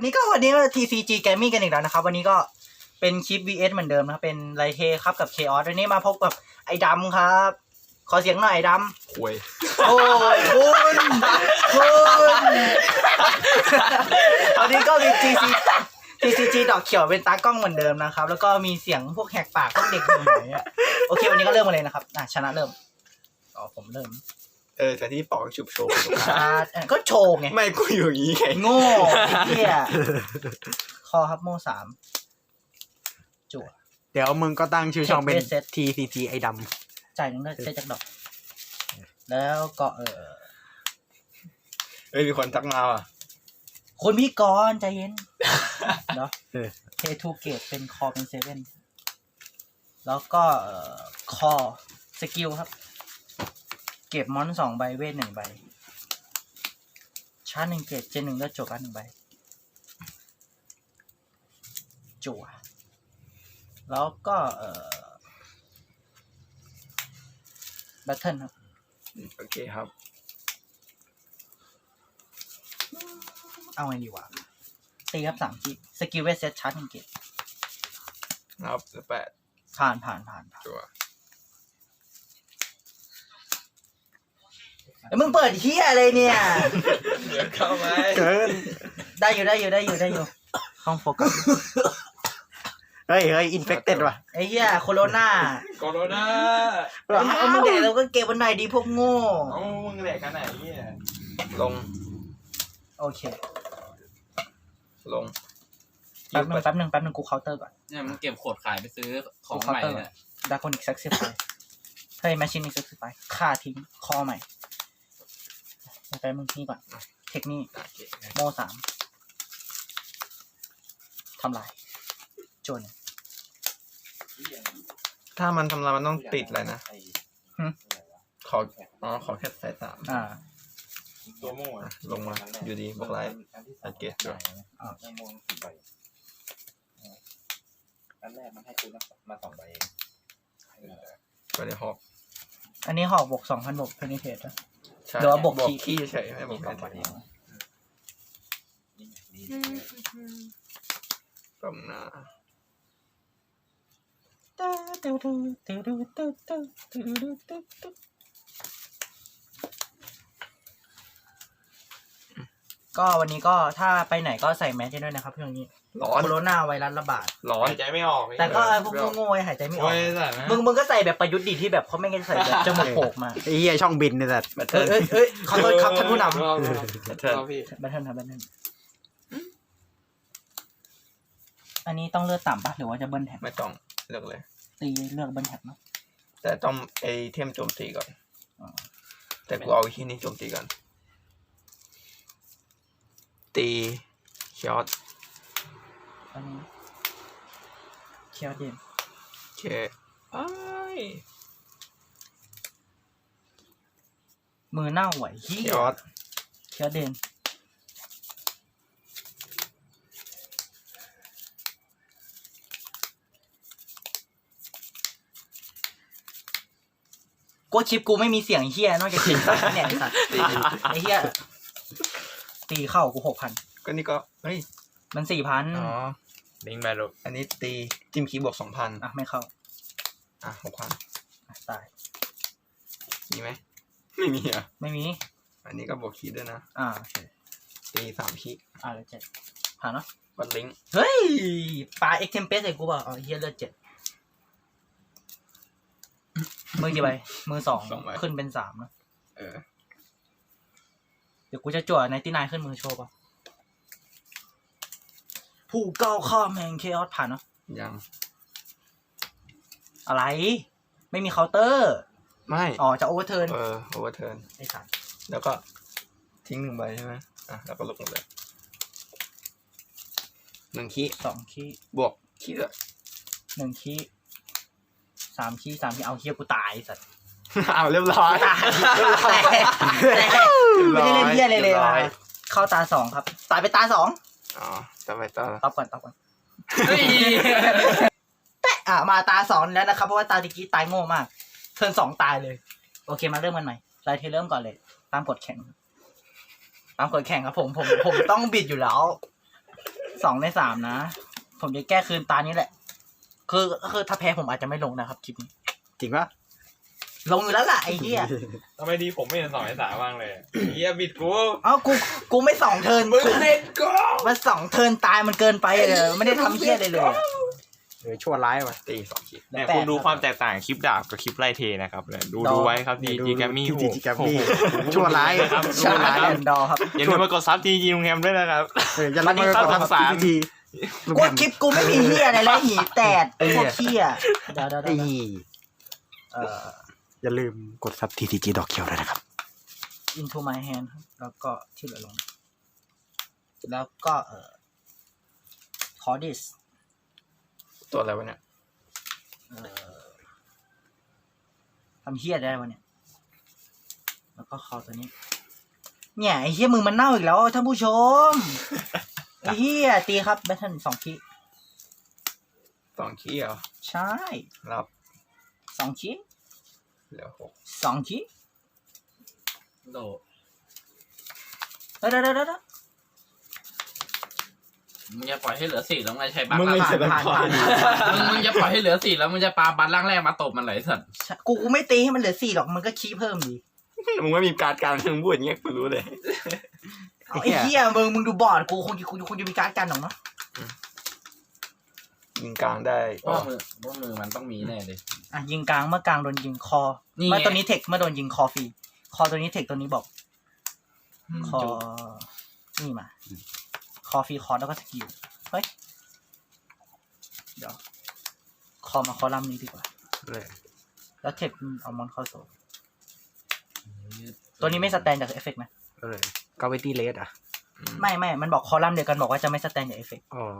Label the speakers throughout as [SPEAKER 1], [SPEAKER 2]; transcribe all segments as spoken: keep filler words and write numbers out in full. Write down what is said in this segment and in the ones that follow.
[SPEAKER 1] วันนี้ก็วันนี้ก็ ที ซี จี Gaming กันอีกแล้วนะครับวันนี้ก็เป็นคลิป วี เอส เหมือนเดิมนะครับเป็นไลเทครับกับ Chaos วันนี้มาพบกับไอ้ดำครับขอเสียงหน่อยไอ้ดำ
[SPEAKER 2] คุย
[SPEAKER 1] โอ้ยคุณคุณวันนี้ก็มี ที ซี ที ซี จี ดอกเขียวเป็นตากล้องเหมือนเดิมนะครับแล้วก็มีเสียงพวกแหกปากพวกเด็กหน่อยอ่ะโอเควันนี้ก็เริ่มมาเลยนะครับอ่ะชนะเริ่มอ๋อผมเริ่ม
[SPEAKER 2] เออแต่ที่ปอกฉุบโชว์
[SPEAKER 1] อ่าก็โชว์ไง
[SPEAKER 2] ไม่กูอยู่อย่างนี้ไง
[SPEAKER 1] โง่ไอ้เหี้ยคอครับโม่สามจั่ว
[SPEAKER 3] เดี๋ยวมึงก็ตั้งชื่อช่องเป็น
[SPEAKER 1] Take Reset
[SPEAKER 3] ที ซี จี ไอ้ด
[SPEAKER 1] จ่ายหนึ่งได้ได้จากดอก แล้วก็เออ
[SPEAKER 2] เอ้ยมีคนทักมาอ่ะ
[SPEAKER 1] คนพี่กรใจเย็นเนาะเททูเกตเป็นคอเป็นเซเว่นแล้วก็เอ่อคอสกิลครับ เก็บมอนสองใบเวทหนึ่งใบชาร์จหนึ่งเกตเจนหนึ่งแล้วจบกันหนึ่งใบจั่วแล้วก็เอ่อแบทเทิลครับ
[SPEAKER 2] โอเคครับ
[SPEAKER 1] เอาไงดีวะตีครับสามทีสกิลเวทเซตชาร์จหนึ่งเกต
[SPEAKER 2] ครับแปด
[SPEAKER 1] ผ่านผ่านผ่านผ่าน
[SPEAKER 2] ตัว
[SPEAKER 1] เอ้ยมึงเปิดเฮียอะไรเนี่ย
[SPEAKER 2] เดี๋ยวเข้าไหม
[SPEAKER 3] ำเกิน
[SPEAKER 1] ได้อยู่ได้อยู่ได้อยู่ได้อยู่ห้องโฟกัส
[SPEAKER 3] เฮ้ยเฮ้ยอินเฟคเต็ดว่ะ
[SPEAKER 1] ไอ้เฮียโคโรนา
[SPEAKER 2] โคโรนา
[SPEAKER 1] เอามึงเด็กเราก็เก็บวันไหนดีพวกโง่
[SPEAKER 2] เอ้ามึงแหลกกันไหนเนี่ยลง
[SPEAKER 1] โอเค
[SPEAKER 2] ลง
[SPEAKER 1] แป๊บนึงแป๊บนึงแป๊บนึงกูเคาน์เตอร์ก่อน
[SPEAKER 4] เนี่ยมันเก็บโขดขายไปซื้อของ
[SPEAKER 1] กูเคา
[SPEAKER 4] ให
[SPEAKER 1] น์
[SPEAKER 4] ม่
[SPEAKER 1] เตอร์
[SPEAKER 4] เนี่ย
[SPEAKER 1] ดาร์คอนิกเซ็กซี่ไปเฮ้ยแมชชีนนี่เซ็กซี่ไปฆ่าทิ้งคอใหม่ไปมึงนี่ก่อนเทคนิค
[SPEAKER 2] โอเค
[SPEAKER 1] โมสามทำลายโจน
[SPEAKER 2] ถ้ามันทำลายมันต้องติดอะไรนะ
[SPEAKER 1] หึ
[SPEAKER 2] ขออ๋อขอแค่สายสาม
[SPEAKER 1] อ่า
[SPEAKER 5] ตัวโม่
[SPEAKER 2] อ่ะลงมาอยู่ดีบอกไลท์อัดเกตด้วย
[SPEAKER 1] อ่า
[SPEAKER 5] โม่สี่ใบอันแรกมันให้คุณมาสองใบเอง
[SPEAKER 2] ไปในหอก
[SPEAKER 1] อันนี้หอกบวกสองพันบวกเพนิเทตนะ
[SPEAKER 2] ใช่
[SPEAKER 1] เดี๋ยวบวก
[SPEAKER 2] บวก
[SPEAKER 1] ขี้
[SPEAKER 2] ขี้เฉยไม่บว
[SPEAKER 5] มี
[SPEAKER 2] ก
[SPEAKER 5] สองใบ
[SPEAKER 2] อะไร
[SPEAKER 5] เองนี่นี่
[SPEAKER 2] กำนา
[SPEAKER 1] ก็วันนี้ก็ถ้าไปไหนก็ใส่แมสด้วยนะครับช่วงนี้
[SPEAKER 2] ร้อน
[SPEAKER 1] โคโรนาไวรัสระบาด
[SPEAKER 2] ร้อน
[SPEAKER 5] หายใจไม่ออก
[SPEAKER 1] แต่ก็พวกโง่ๆไอ้หายใจไม่ออ
[SPEAKER 5] โอ้
[SPEAKER 1] ก
[SPEAKER 5] ยแต่นะ
[SPEAKER 1] มึงมึงก็ใส่แบบประยุทธ์ดิที่แบบเขาไม่ได้ใส่แบบจมูกโผล่มา
[SPEAKER 3] ไอ้เหี้ยช่องบินเนี่ยแต่
[SPEAKER 2] แบต
[SPEAKER 1] เอ้
[SPEAKER 2] เทิ
[SPEAKER 1] ย
[SPEAKER 2] ล
[SPEAKER 1] เอ้ยเอ้ยขอโทษครับท่านผู้น
[SPEAKER 5] รอบ
[SPEAKER 2] แบตเทิล
[SPEAKER 5] รอบพี่
[SPEAKER 1] ำแบทเทิลครับแบทเทิลอันนี้ต้องเลือกต่ำปะหรือว่าจะเบิ้ลแท็ก
[SPEAKER 2] ไม่ต้องเลือกเลย
[SPEAKER 1] ตีเลือกเบิ้ลแท็กเนาะ
[SPEAKER 2] แต่ต้องไอเทมโจมตีก่อน
[SPEAKER 1] อ๋อ
[SPEAKER 2] แต่กูเอาที่นี่โจมตีก่อน ตีช็อต
[SPEAKER 1] อันนี้เคียวเดน
[SPEAKER 2] โอเคไอ้าย
[SPEAKER 1] มือเน่าไหวเฮีย
[SPEAKER 2] ช็อต
[SPEAKER 1] เคียวเดนกูคลิปกูไม่มีเสียงเฮียนอกจากเสียงสัตว์เนี่ยไอ้สัตว์ไอ้เฮียตีเข้ากูหกพัน
[SPEAKER 2] ก็นี่ก็เฮ้ย
[SPEAKER 1] มันสี่พัน
[SPEAKER 2] อ๋อ
[SPEAKER 5] ลิงมาลูก
[SPEAKER 2] อันนี้ตีจิ้มคีย์บวกสองพัน
[SPEAKER 1] อ่ะไม่เข้า
[SPEAKER 2] อ่ะหกพัน
[SPEAKER 1] อ่ะตาย
[SPEAKER 2] มีไหมไม่มีอ่ะ
[SPEAKER 1] ไม่มี
[SPEAKER 2] อันนี้ก็บวกคีย์ด้วยนะ
[SPEAKER 1] อ่าโอเค
[SPEAKER 2] ตีสามคีย์
[SPEAKER 1] อ่าแล้วเจ็ดผ่านเนาะ
[SPEAKER 2] วัดลิงก์
[SPEAKER 1] เฮ้ยปลาเอ็กเทมเพสใส่กูเปล่าอ๋อเฮียเลือดเจ็ดมือกี่ใบมือสองขึ้นเป็นสามนะ
[SPEAKER 2] เออ
[SPEAKER 1] เดี๋ยวกูจะจั่วไนตี้ไนขึ้นมือโชว์ป่ะผู้ก้าวข้ามแห่งเคออสผ่านเนาะ
[SPEAKER 2] ยัง
[SPEAKER 1] อะไร ไม่มีเคาน์เตอร์
[SPEAKER 2] ไม่
[SPEAKER 1] อ๋อจะโอเวอร์เทิร์น
[SPEAKER 2] เออโอเวอร์เทิร์น
[SPEAKER 1] ไอ้สัตว์
[SPEAKER 2] แล้วก็ทิ้งหนึ่งใบใช่ไหมอ่ะแล้วก็ลงหมดเลยหนึ่งคีย์
[SPEAKER 1] สองคีย์
[SPEAKER 2] บวกคีย์ด้วย
[SPEAKER 1] หนึ่งคีย์สามคีย์สามคีย์เอาเฮียกูตายไอ้สัตว์
[SPEAKER 2] อ้าวเรียบร้อย
[SPEAKER 1] ตายแต่แต่ไม่ได้เล่นเฮียเลยเลย
[SPEAKER 2] รีบร้
[SPEAKER 1] ว่ะ
[SPEAKER 2] อย
[SPEAKER 1] เข้าตาสองครับ ตายไปตาสอง
[SPEAKER 2] อ๋อต่อไปต่อ
[SPEAKER 1] ตอบก่อนตอบก่อน
[SPEAKER 4] เฮ้ย
[SPEAKER 1] แปะอ่ะมาตาสองแล้วนะครับเพราะว่าตาตะกี้ตายโง่มากเทิร์นสองตายเลย โอเคมาเริ่มกันใหม่ไลท์เทเริ่มก่อนเลย ตามกฎแข่งตามกฎแข่งครับผมผมผมต้องบิดอยู่แล้วสองในสามนะ ผมจะแก้คืนตานี้แหละ คือคือถ้าแพ้ผมอาจจะไม่ลงนะครับคลิปนี้
[SPEAKER 3] จริงปะ
[SPEAKER 1] ลงอยู่แล้วล่ะไอ้เหี้ย
[SPEAKER 5] ทำไมดีผมไม่เห็นสองไอ้สามบ้างเลยเฮียบิดกู
[SPEAKER 1] เอ้ากูกูไม่สองเทิร์น
[SPEAKER 5] มึงเล่นกู
[SPEAKER 1] มันสองเทิร์นตายมันเกินไปเลยไม่ได้ทำเหี้ยเลยเลย
[SPEAKER 3] เออชั่วร้ายว่ะ
[SPEAKER 2] ตีสองขีด
[SPEAKER 5] เนี่ยคุณดูความแตกต่างคลิปดาบกับคลิปไล่เทนะครับเนี่ยดูดูไว้ครับดีจีแกมมี่
[SPEAKER 3] ดีจีแกมมี่ชั่วร้าย
[SPEAKER 5] ครับ
[SPEAKER 1] ชา
[SPEAKER 5] ชั่วร้าย
[SPEAKER 1] แอนดอร์ครับ
[SPEAKER 5] อย่าลืมมากดซับจีจีลุงแฮมด้วยนะครับ
[SPEAKER 3] เออจะรับมือกับทำสามที
[SPEAKER 1] กูคลิปกูไม่มีเหี้ยอะไรแล้วหีแตดพวกเหี้ยเดี๋ยวเดี๋ยว
[SPEAKER 3] ไอ้
[SPEAKER 1] เดี๋ยวเอ่อ
[SPEAKER 3] อย่าลืมกดซับทีทีจีดอกเขียวด้วยนะครับ
[SPEAKER 1] into my hand ครับแล้วก็ที่เหลือลง แล้วก็เอ่อ cordis
[SPEAKER 2] ตัวอะไรวะเนี่ย
[SPEAKER 1] เอ่อทำเฮี้ยได้วะเนี่ย แล้วก็คอตัวนี้ เนี่ยไอ้เฮี้ยมือมันเน่าอีกแล้วท่านผู้ชม ไอ้เฮี้ยตีครับแบทเทิลสองคี
[SPEAKER 2] สองขีดเหรอ
[SPEAKER 1] ใช่
[SPEAKER 2] รับ
[SPEAKER 1] สองคี
[SPEAKER 2] เหลือหก
[SPEAKER 1] สองคี
[SPEAKER 4] โด
[SPEAKER 1] เดี๋ยวเดี๋ยวเดี๋ยว
[SPEAKER 4] มึงจะปล่อยให้เหลือสี่แล้วมึงจะใช้บัตร
[SPEAKER 2] มึงไม่
[SPEAKER 4] ล่าง
[SPEAKER 2] เสร็จแล้ว
[SPEAKER 1] ผ่าน
[SPEAKER 2] ก่อ
[SPEAKER 1] ผ่าน นผ่าน
[SPEAKER 4] มึงมึงจะปล่อยให้เหลือสี่แล้วมึงจะปาบัตรล่างแรกมาตบมันไหลสัตว์
[SPEAKER 1] กูกูไม่ตีให้มันเหลือสี่หรอกมันก็คีเพิ่มดี
[SPEAKER 2] มึงไม่มีการดการมึงพูดอย่างเงี้ยกูรู้เลย
[SPEAKER 1] เอาไอ้เฮี้ยมึงมึงดูบอร์ดกูคงคงคงจะมีการดกันหรอกเนาะ
[SPEAKER 2] ยิงกลางได้
[SPEAKER 4] เพราะว่ามือเพราะว่ามือมันต้องมีแน่เลย
[SPEAKER 1] อ่ะยิงกลางเมื่อกลางโดนยิงคอ
[SPEAKER 4] นี่ไง
[SPEAKER 1] เมื่อตัวนี้เทคเมื่อโดนยิงคอฟรีคอตัวนี้เทคตัวนี้บอก คอ นี่มา คอฟรีคอแล้วก็สกิล เฮ้ย เดี๋ยว คอมาคอลัมน์นี้ดีกว่า
[SPEAKER 3] เลย
[SPEAKER 1] แล้วเทคเอามอนเข้าโซนตัวนี้ไม่สแตนจากเอฟเฟกต์นะ
[SPEAKER 3] เลยกาเวตี้เลสอ่ะ
[SPEAKER 1] ไม่ไม่ มันบอกคอลัมน์เดียวกันบอกว่าจะไม่สแตนจากเอฟเฟกต์
[SPEAKER 3] อ๋อ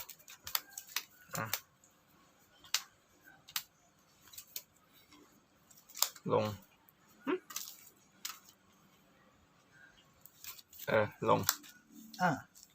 [SPEAKER 2] ลง เออ ลง
[SPEAKER 1] อ่า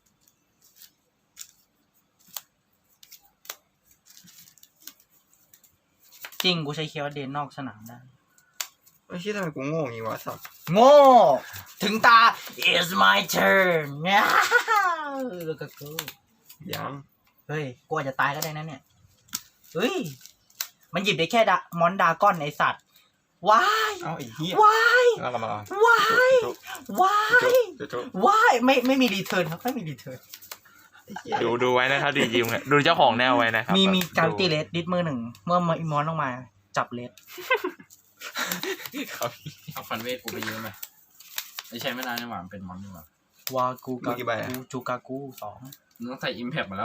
[SPEAKER 1] จริง กูใช้เคียวเดนนอกสนามได้
[SPEAKER 2] ไม่ใช่ทำไมกูโง่อย่างงี้วะสับ
[SPEAKER 1] โง่ ถึงตา it's my turn เนี่ยแล้วก็กู
[SPEAKER 2] ยัง
[SPEAKER 1] เฮ้ย กูอาจจะตายก็ได้นะเนี่ย เฮ้ย มันหยิบได้แค่ดะมอนดากอนไอสัตว์ ว้าย
[SPEAKER 2] เอ้าไอ้เหี้ย
[SPEAKER 1] ว้าย
[SPEAKER 2] แล้วเรามา
[SPEAKER 1] ว้าย
[SPEAKER 2] จุ๊บ
[SPEAKER 1] ว้าย
[SPEAKER 2] จุ๊บจุ๊บ
[SPEAKER 1] ว้าย ไม่ไม่มีรีเทิร์นครับ ไม่มีรีเทิร์น
[SPEAKER 2] ไอ้เหี้ย
[SPEAKER 5] ดูดูไว้นะครับดีจีลุงเนี่ยดูเจ้าของแนวไว้นะครับ
[SPEAKER 1] มีมีการตี
[SPEAKER 5] ดู
[SPEAKER 1] เลสดิสมือหนึ่ง เมื่อมมอนลงมา จับเลส
[SPEAKER 5] ครับ
[SPEAKER 4] เอาฟันเวทกูไปยืมไหมไม่ใช่ไม่ได้นี่หว่ามันเป็นมอนนี่หว่าว
[SPEAKER 1] ากูกากูจูกากูสอง
[SPEAKER 4] มึงต้องใส่อิมแพคมาแล้ว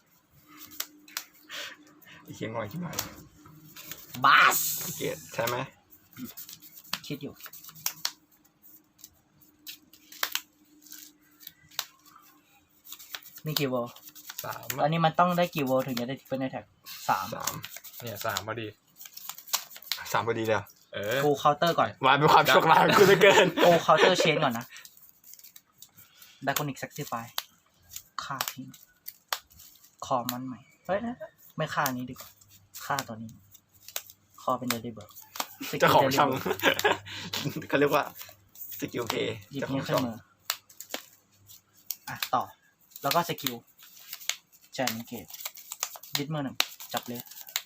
[SPEAKER 2] ไอ้เหี้ยงอยขึ้นมา
[SPEAKER 1] บัส
[SPEAKER 2] เกลียดใช่ไหม
[SPEAKER 1] คิดอยู่ มีกี่โวล
[SPEAKER 5] สาม
[SPEAKER 1] อันนี้มันต้องได้กี่โวลถึงจะได้เป็นในแท็กสาม
[SPEAKER 2] สาม
[SPEAKER 5] เนี่ยสามพอดี
[SPEAKER 2] สามพอดีเลยเหรอ
[SPEAKER 5] เออ
[SPEAKER 1] กูเคาน์เตอร์ก่อน
[SPEAKER 2] วายเป็นความโชคร้ายของกูเหลือเกิน
[SPEAKER 1] กูเคาน์เตอร์เชนก่อนนะดากอนิกแซกซิฟายฆ่าทิ้งคอมันใหม่ เฮ้ยนะไม่ฆ่านี้ดีกว่าฆ่าตัวนี้ คอเป็นเดลิเบิร์
[SPEAKER 2] เจ้าของช่อง เขาเรียกว่าสกิลเพย์
[SPEAKER 1] หยิบ
[SPEAKER 2] เจ้าขอ
[SPEAKER 1] นี้
[SPEAKER 2] ง
[SPEAKER 1] ขึ้
[SPEAKER 2] ช่
[SPEAKER 1] น
[SPEAKER 2] อง
[SPEAKER 1] มืออ่ะ ต่อ แล้วก็สกิลแจนเกตดิสมือหนึ่ง จับเลย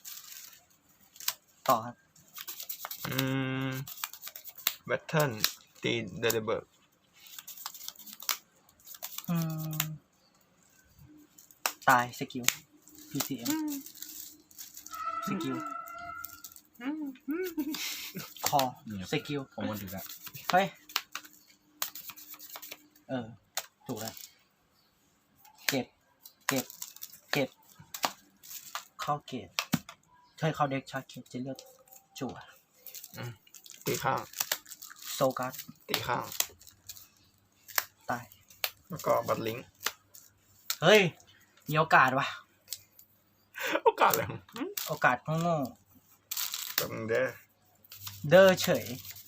[SPEAKER 1] ต่อครับ
[SPEAKER 2] อืมแบทเทิลตีเดลิเบิร์ก
[SPEAKER 1] อืม ตาย สกิล พี ซี เอ็ม สกิล คอ สกิล
[SPEAKER 4] ผมวันถึงแล้ว
[SPEAKER 1] เฮ้ย เออ ถูกแล้ว เก็บ เก็บ เก็บ เข้าเกตเฮ้ยเข้าเด็กชาร์จเกตจะเลือกจั่ว
[SPEAKER 2] ตีข้าง
[SPEAKER 1] โซการ์ด
[SPEAKER 2] ตีข้าง
[SPEAKER 1] ตาย
[SPEAKER 2] แล้วก็บัตลิงก์
[SPEAKER 1] เฮ้ย มีโอกาสว่ะ
[SPEAKER 2] โอกาสเลย
[SPEAKER 1] โอกาสโง่
[SPEAKER 2] กับมึงเด้อ
[SPEAKER 1] ๆเด้อเฉย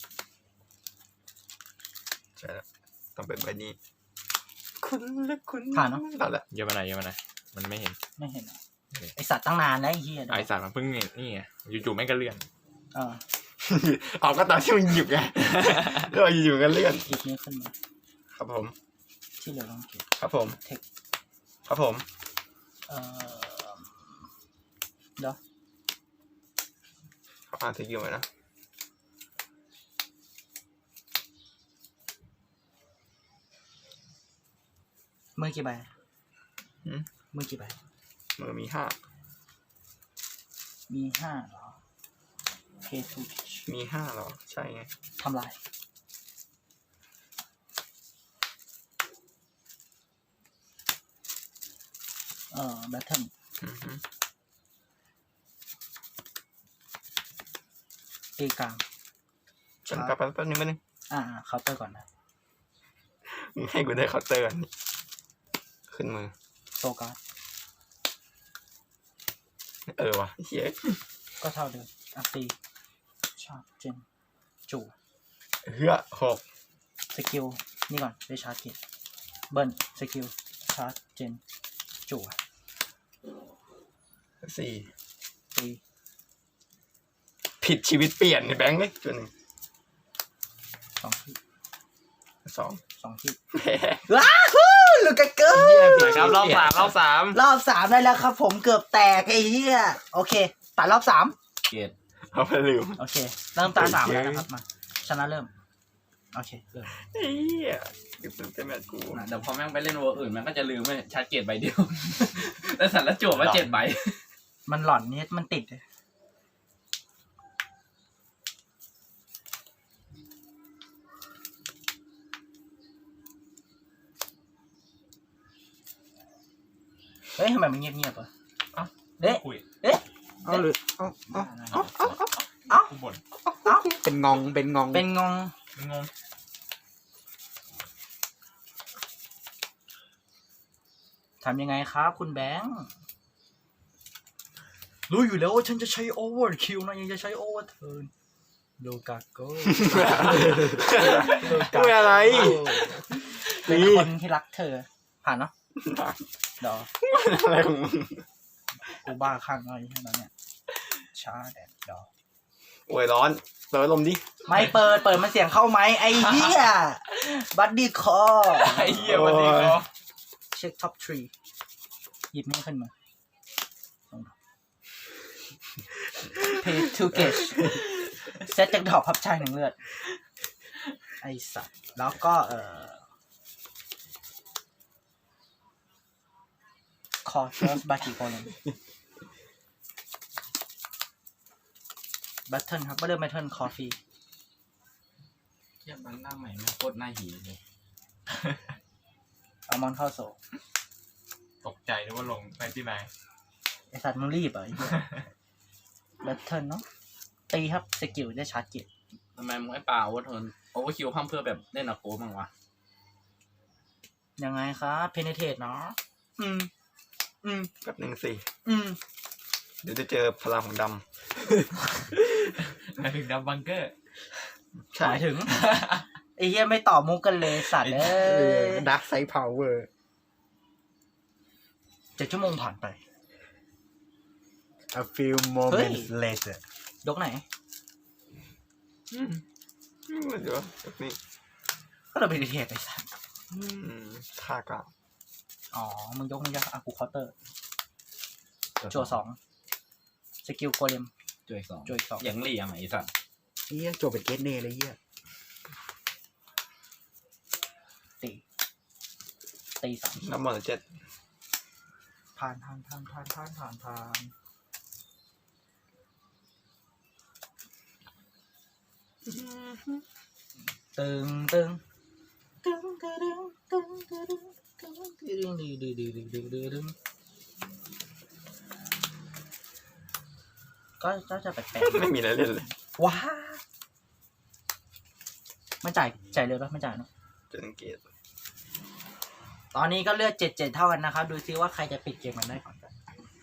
[SPEAKER 2] ใช่แล้วต้องเป็นใบนี้ คุณและคุณ
[SPEAKER 1] ผ่านเนอะ
[SPEAKER 2] ผ่านแล้ว
[SPEAKER 5] เยอะมาไหนอยเยอะมาไหนอยมันไม่เห็น
[SPEAKER 1] ไม่เห็นเหรอไอสัตว์ตั้งนานแล้วไอ้เหี้ย
[SPEAKER 5] ไอสารมันเพิ่งเนี่ยนี่ไงอยู่ๆแม่งก็เลื่อน
[SPEAKER 1] เออ
[SPEAKER 2] อ๋อก็ตอนที่มึงหยิบไงแล้วเราอยู่ๆกันเลื่อน
[SPEAKER 1] หยิบนี้ขึ้นมา
[SPEAKER 2] ครับผม
[SPEAKER 1] ที่เหลือลองเก็บ
[SPEAKER 2] ครับผม
[SPEAKER 1] เทค
[SPEAKER 2] ครับผม
[SPEAKER 1] เอ่อเดี๋ยว
[SPEAKER 2] เขาอ่านสกิลไหมนะ
[SPEAKER 1] มือกี่ใบ
[SPEAKER 2] หืม
[SPEAKER 1] มือกี่ใบ
[SPEAKER 2] มือมีห้า
[SPEAKER 1] มีห้าเหรอ pay to pitch
[SPEAKER 2] มีห้าเหรอ ใช่ไง
[SPEAKER 1] ทำลาย เอ่อ battle
[SPEAKER 2] อือฮึ
[SPEAKER 1] ตีกลาง
[SPEAKER 2] ฉันแป๊บแป๊บแป๊บนึงแป๊บนึง
[SPEAKER 1] อ่าเคาน์เตอร์ก่อนนะ
[SPEAKER 2] มึงให้กูได้เคาน์เตอร์ก่อนนี่ขึ้นมือ
[SPEAKER 1] โซการ์ด
[SPEAKER 2] เออวะเฮีย
[SPEAKER 1] ก็เท่าเดิมอ่ะตีชาร์จเจนจู่
[SPEAKER 2] เฮือหก
[SPEAKER 1] สกิล นี่ก่อนได้ชาร์จเกตเบิร์นสกิล ชาร์จเจนจู่
[SPEAKER 2] สี่
[SPEAKER 1] ตี
[SPEAKER 2] ผิดชีวิตเปลี่ยนในแบงค์ไหมจุดหนึ่ง
[SPEAKER 1] สองที่
[SPEAKER 2] สอง
[SPEAKER 1] สองที่
[SPEAKER 2] แพ้
[SPEAKER 1] ว้าวลูกกะเกอร์
[SPEAKER 5] ครับรอบสามรอบสาม
[SPEAKER 1] รอบสามได้แล้วครับผมเกือบแตกไอ้เหี้ยโอเคตัดรอบสาม
[SPEAKER 4] เกต
[SPEAKER 2] เอาไปลืม
[SPEAKER 1] โอเค เริ่มตาสามแล้วนะครับมาชนะเริ่ม โอเคเริ่ม
[SPEAKER 2] เฮียกูเป็นเต็มแมตช์กู
[SPEAKER 4] นะเดี๋ยวพอแม่งไปเล่นเวอร์อื่นมันก็จะลืมไม่ชาร์จเกตใบเดียว แล้วสัตว์ละจวบมาเจ็ดใบ
[SPEAKER 1] มันหล่อนนี่มันติดเลยเฮ้ยทำไมมันเงียบๆวะเอ๊ะ
[SPEAKER 5] คุย
[SPEAKER 1] เอ๊ะ
[SPEAKER 3] เอาเลยเอาเอา
[SPEAKER 1] เอ้า
[SPEAKER 5] กูบ่น
[SPEAKER 1] เอ้า
[SPEAKER 3] เป็นงองเป็นงอง
[SPEAKER 1] เป็นงง
[SPEAKER 5] งง
[SPEAKER 1] ทำยังไงครับคุณแบงค์รู้อยู่แล้วว่าฉันจะใช้โอเวอร์คิวนะยังจะใช้โอเวอร์เทิร์นโลกาโก้
[SPEAKER 3] ไม่อะไร
[SPEAKER 1] เป็นคนที่รักเธอ ผ่านเนาะดอ
[SPEAKER 2] อะไรของมึง
[SPEAKER 1] กูบ้าข้างอะไรแค่นั้นเนี่ยช้าแดดดอ
[SPEAKER 2] โอ้ยร้อนเปิดพัดลมดิ
[SPEAKER 1] ไม่เปิดเปิดมันเสียงเข้าไหมไอ้เหี้ยบัดดี้คอ
[SPEAKER 5] ไอ้เหี้ยวันนี้ก็
[SPEAKER 1] เช็คท็อปทรีหยิบนี่ขึ้นมาเพย์ทูเกชเซตจากดอกพับชายหนึ่งเลือดไอสัตว์แล้วก็เอ่อคอเชอร์สบากิโกเลนบัตเทิลครับบัตเทิลบัตเทิลคอฟฟี่
[SPEAKER 4] เทียบมันหน้าใหม่แม่งโคตรหน้าหีเลย
[SPEAKER 1] เอามอนเข้าโซ
[SPEAKER 5] ตกใจนึกว่าลงไปที่ไหน
[SPEAKER 1] ไอสัตว์มึงรีบเหรอไอ้เหี้ยบัตเทิลเนาะตีครับสกิลได้ชาร์จเกียร์
[SPEAKER 4] ทำไมมึงไม่ป่าโอเวอร์เทิร์นโอเวอร์คิวพัมเพื่อแบบเล่นอะโกบ้างวะ
[SPEAKER 1] ยังไงครับเพเนเทตเนาะอืม อืม
[SPEAKER 2] แบบหนึ่งสี่
[SPEAKER 1] อืม
[SPEAKER 2] เดี๋ยวจะเจอพลังของด
[SPEAKER 5] หมายถึงดับบังเกอร์
[SPEAKER 2] ำใช่
[SPEAKER 1] หมายถึง ไอ้เหี้ยไม่ตอบมุกกันเลยสัตว์เอ้ย
[SPEAKER 3] ดักไซด์พาวเวอร์
[SPEAKER 1] เจ็ดชั่วโมงผ่านไป
[SPEAKER 3] a few moments later
[SPEAKER 1] ยกไหน
[SPEAKER 2] อืมอืมเดี๋ยวแบบนี้
[SPEAKER 1] ก็เราเพเนเทตไอ้สัตว์
[SPEAKER 2] อืมค่ากลาง
[SPEAKER 1] อ๋อ มึงยกมึงยกอ่ะกูเคาน์เตอร์ จั่วสองสกิลโกเลม
[SPEAKER 4] จุดอีกสอง
[SPEAKER 1] จั่วอีกสอง
[SPEAKER 4] อย่างเหลี่ยมไอ้สัตว์
[SPEAKER 3] เฮียจบเป็นเกตเน่เลยเฮีย
[SPEAKER 1] ตีตีสาม
[SPEAKER 2] น้ำมันเจ็ด
[SPEAKER 1] ผ่านผ่านผ่านผ่านผ่านผ่านผ่านตึงตึงตึงตึงตึงตึงตึงตึงตึงตึงตึงตึงตึงตึงตึงก็ก็จะแปลก
[SPEAKER 2] ไม่มีอะไรเล่นเลย
[SPEAKER 1] ๆว้าไม่จ่ายจ่ายเลยปะไม่จ่ายเนอะ
[SPEAKER 2] เจะสังเกต
[SPEAKER 1] ตอนนี้ก็เลือดเจ็ดเจ็ดเท่ากันนะครับ ดูซิว่าใครจะปิดเกมมันได้ก่อนกัน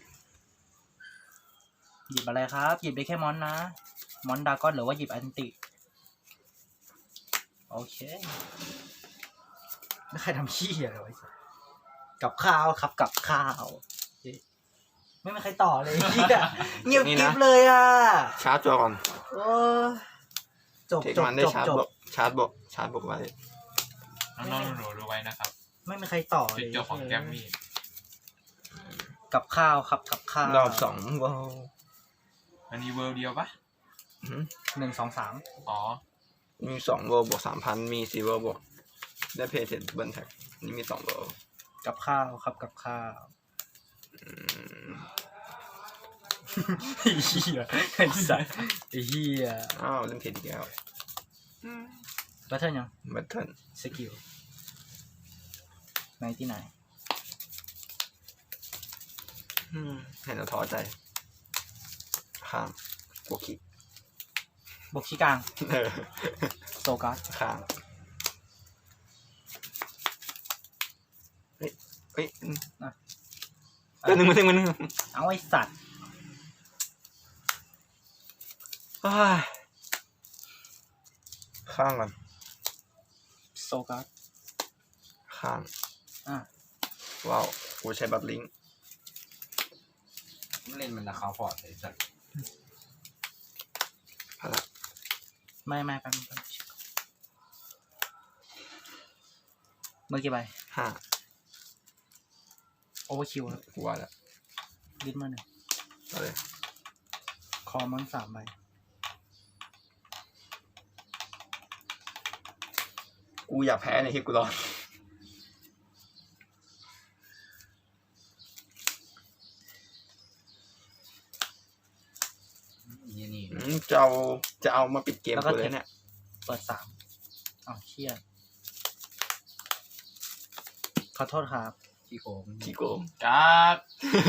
[SPEAKER 1] หยิบอะไรครับ หยิบได้แค่มอนนะ มอนดากอนหรือว่าหยิบอันติ โอเคไม่ใครทำขี้อะไรไว้สิกับข้าวครับกับข้าวเอ๊ะไม่มีใครต่อเลยเหี้ยเงียบกริบเลยอ่ะ
[SPEAKER 2] ชาร์จตัวก่อน
[SPEAKER 1] โอ้จบ
[SPEAKER 2] เทค
[SPEAKER 1] จบ
[SPEAKER 2] มันได้
[SPEAKER 1] จบ
[SPEAKER 2] ชาร์จ
[SPEAKER 1] จ
[SPEAKER 2] บบ วกชาร์จบวกชาร์จบวกไว้
[SPEAKER 5] น้องๆหนูๆดูไว้นะครับ
[SPEAKER 1] ไม่มีใครต่อเล
[SPEAKER 5] จุด
[SPEAKER 1] ย
[SPEAKER 5] จบของแกมมี่
[SPEAKER 1] กับข้าวครับกับข้าว
[SPEAKER 2] รอบสองว้าว
[SPEAKER 5] อันนี้เวิร์เดียวปะ
[SPEAKER 1] หนึ่งสองสาม
[SPEAKER 5] อ๋อ
[SPEAKER 2] มีสองเวอร์บวกสามพันมีสี่เวอร์บวกได้เพย์เสร็จเบิร์นแท็กนี่มีสองเวอร์
[SPEAKER 1] กับข้าวครับกับข้าว
[SPEAKER 2] อืม
[SPEAKER 1] ไอ้เหี้ยไอ้สัสไอ้เหี้ย
[SPEAKER 2] อ้าวเล่นเพย์อีกแล้ว
[SPEAKER 1] บัตเทิลยัง
[SPEAKER 2] แบทเทิล
[SPEAKER 1] สกิลไหนที่ไหน
[SPEAKER 2] เห็นแล้วท้อใจข้างบวกคิก
[SPEAKER 1] บกชี้กลาง
[SPEAKER 2] เออ
[SPEAKER 1] โซการ์ด
[SPEAKER 2] ข้างเฮ้ยเฮ้ยอืมเดี๋ยวหนึ่งมาหนึ่งมาหนึ่ง
[SPEAKER 1] เอาไอ้สัตว์
[SPEAKER 2] อ้ายข้างก่อน
[SPEAKER 1] โซการ์ด
[SPEAKER 2] ข้าง
[SPEAKER 1] อ่ะ
[SPEAKER 2] ว้าวกูใช้บัตลิงก์
[SPEAKER 4] เล่นมันราคาฟอร์ดไอ้สัส
[SPEAKER 2] พละ
[SPEAKER 1] ไม่ไม่แป๊บนึงแป๊บนึงมือกี่ใบ
[SPEAKER 2] ห้า
[SPEAKER 1] โอเวอร์คิวครับ
[SPEAKER 2] กูว่าแล้ว
[SPEAKER 1] ลิสต์มือหนึ่ง
[SPEAKER 2] เอาเลย
[SPEAKER 1] คอมันสามใบ
[SPEAKER 2] กูอยากแพ้ในที่กูรอด
[SPEAKER 4] นี่นี่
[SPEAKER 2] อืมจะเอาจะเอามาปิดเกมกูเลยเนี่ย
[SPEAKER 1] เปิดสามอ้าวเชี่ยขอโทษครับ
[SPEAKER 4] ที่โกง
[SPEAKER 2] ขี้โกง
[SPEAKER 5] การ์ด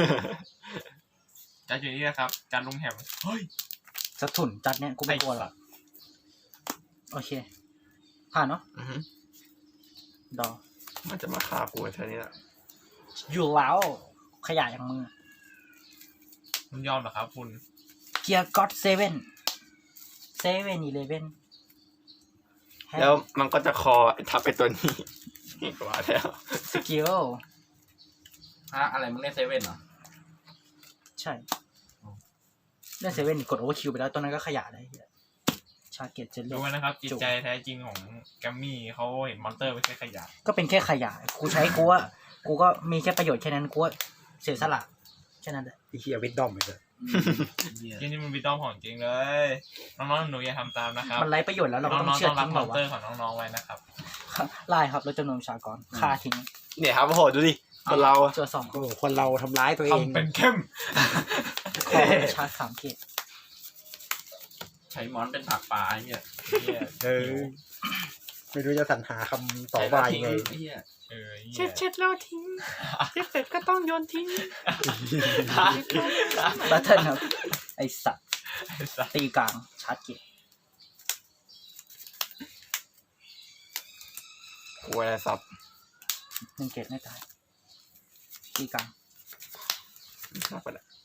[SPEAKER 5] การ์ดอยู่นี่นะครับ การลุงแหมเฮ้ย
[SPEAKER 1] จะถุนจัดเนี่ยกูไม่กลัวหรอกโอเค ผ่านเนาะ
[SPEAKER 2] อือฮึ
[SPEAKER 1] ดอ
[SPEAKER 2] มันจะมาฆ่ากูแค่นี้แหละ
[SPEAKER 1] อยู่แล้วขยะอย่างมือ
[SPEAKER 5] คุณยอมเหรอครับคุณ
[SPEAKER 1] เกียร์ก็อดเซเว่นเซเว่นอีเลเว่น
[SPEAKER 2] แล้วมันก็จะคอทับไปตัวนี้ กว่าแล้ว
[SPEAKER 1] สกิล
[SPEAKER 4] ฮะอะไรมึงเล่นเซเว่นเหรอ
[SPEAKER 1] ใช่เล่นเซเว่นกดโอเวอร์คิวไปแล้วตัวนั้นก็ขยะได้เหี้ยชาเกตเจล
[SPEAKER 5] ดู
[SPEAKER 1] ลี่
[SPEAKER 5] ไว้นะครับ จิตใจแท้จริงของแกมมี่เขาเห็นมอนเตอร์ไม่ใช่ขยะ
[SPEAKER 1] ก็เป็นแค่ขยะกูใช้กูว่ากูก็มีแค่ประโยชน์แค่นั้นกูว่าเสียสละแค่นั้นแหละ
[SPEAKER 3] ไอ้เหี้ยวิดดอมเลย
[SPEAKER 5] ที่นี่มันวิดดอมของจริงเลยน้องๆหนูอย่าทำตามนะครับ
[SPEAKER 1] มันไร้ประโยชน์แล้วเราก็
[SPEAKER 5] น้
[SPEAKER 1] ต้
[SPEAKER 5] อ
[SPEAKER 1] อง
[SPEAKER 5] งๆ
[SPEAKER 1] เชื่อ
[SPEAKER 5] ต้องรั
[SPEAKER 1] ทิ้
[SPEAKER 5] บ
[SPEAKER 1] ง
[SPEAKER 5] ม
[SPEAKER 1] เหร
[SPEAKER 5] อน
[SPEAKER 1] อวะ
[SPEAKER 5] เตอร์ของน้องๆไว้นะครับ
[SPEAKER 1] ไล่ครับแล้วจำนวนประชากรฆ่าทิ้ง
[SPEAKER 2] เนี่ยครับโอ้โหดูดิคนเราอะ
[SPEAKER 1] ตัวสอง
[SPEAKER 3] โอ้โหคนเราทำร้ายตัวเอง
[SPEAKER 5] ทำเป็นเข้ม
[SPEAKER 1] คอชาร์จสามเกต
[SPEAKER 4] ใช้มอนเป็นผักปลาไอ้เหี้ย
[SPEAKER 3] เออไม่รู้จะสรรหาคำต่อว่ายังไง
[SPEAKER 4] ไอ้เหี้ย
[SPEAKER 5] เออ
[SPEAKER 1] เช็ดเช็ดแล้วทิ้งเช็ดเสร็จก็ต้องโยนทิ้งบัตเทิลครับไอสัตว์ตีกลางชาร์จเกต
[SPEAKER 2] กูอะไรสับ
[SPEAKER 1] หนึ่งเกตไม่ตายตีกลาง
[SPEAKER 2] สับไปแล้ว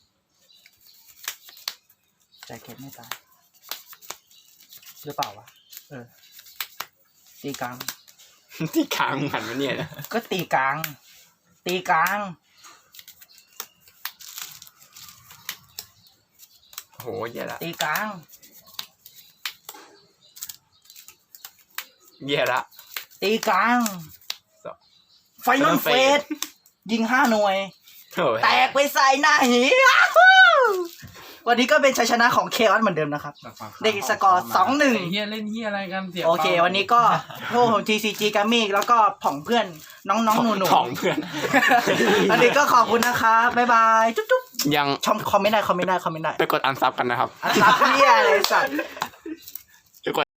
[SPEAKER 1] ใจเกตไม่ตายหรือเปล่าวะเออตีกลาง
[SPEAKER 2] ที่ขางหันมาเนี่ยนะ
[SPEAKER 1] ก็ตีกลาง ตีกลาง
[SPEAKER 2] โหแย่ละ
[SPEAKER 1] ตีกลาง
[SPEAKER 2] แย่ละ
[SPEAKER 1] ตีกลาง
[SPEAKER 2] สอง
[SPEAKER 1] ไฟนอลเฟสยิงห้าหน่วย
[SPEAKER 2] โถ่
[SPEAKER 1] แตกไปใส่หน้าหีวันนี้ก็เป็นชัยชนะของเคออสเหมือนเดิมนะครับ ได้สกอร์สองหนึ่ง
[SPEAKER 4] ไอ้เหี้ยเล่นเหี้ยอะไรกันเสีย
[SPEAKER 1] โอเค วันนี้ก็พวกผม ที ซี จี Gaming แล้วก็ผองเพื่อนน้องๆหนู
[SPEAKER 2] ของเพื่อน
[SPEAKER 1] ๆ วันนี้ก็ขอบคุณนะครับบ๊ายบาย จุ๊บ
[SPEAKER 2] ยัง
[SPEAKER 1] ๆชมคอมเมนต์ได้คอมเมนต์ได้คอมเมนต์ได้
[SPEAKER 2] ไปกดอันซับกันนะครับ
[SPEAKER 1] อันซับเพี้ยอะไรสัตว์